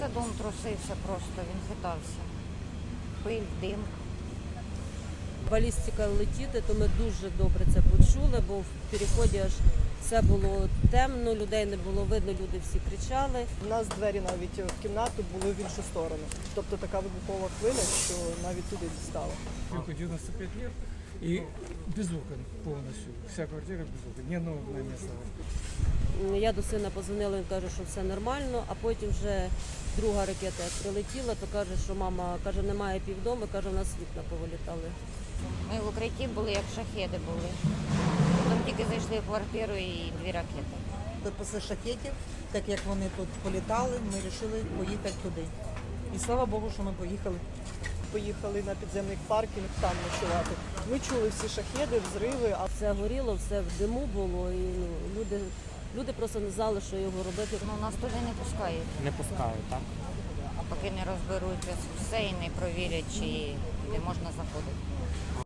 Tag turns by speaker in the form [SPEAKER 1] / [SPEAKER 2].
[SPEAKER 1] Та дом трусився просто, він хитався. Пиль, дим.
[SPEAKER 2] Балістика летіти, то ми дуже добре це почули, бо в переході аж все було темно, людей не було видно, люди всі кричали.
[SPEAKER 3] У нас двері навіть в кімнату були в іншу сторону. Тобто така вибухова хвиля, що навіть туди дістала.
[SPEAKER 4] Веку 95 лет и без окон полностью. Вся квартира без окон, ни одного окна не осталось.
[SPEAKER 2] Я до сина позвонила, він каже, що все нормально, а потім вже друга ракета як прилетіла, то каже, що мама каже, немає півдому, каже, у нас вікна повилітали.
[SPEAKER 1] Ми в укритті були, як шахеди були. Потім тільки зайшли в квартиру і 2 ракети.
[SPEAKER 5] Після шахетів, так як вони тут політали, ми вирішили поїхати туди. І слава Богу, що ми поїхали.
[SPEAKER 3] Поїхали на підземний паркінг там ночувати. Ми чули всі шахеди, взриви, а
[SPEAKER 2] Все горіло, все в диму було, і люди просто не знали, що його робити.
[SPEAKER 1] Ну, нас туди не пускають,
[SPEAKER 6] Не пускають, так?
[SPEAKER 1] поки не розберуться все і не провірять, чи де можна заходити.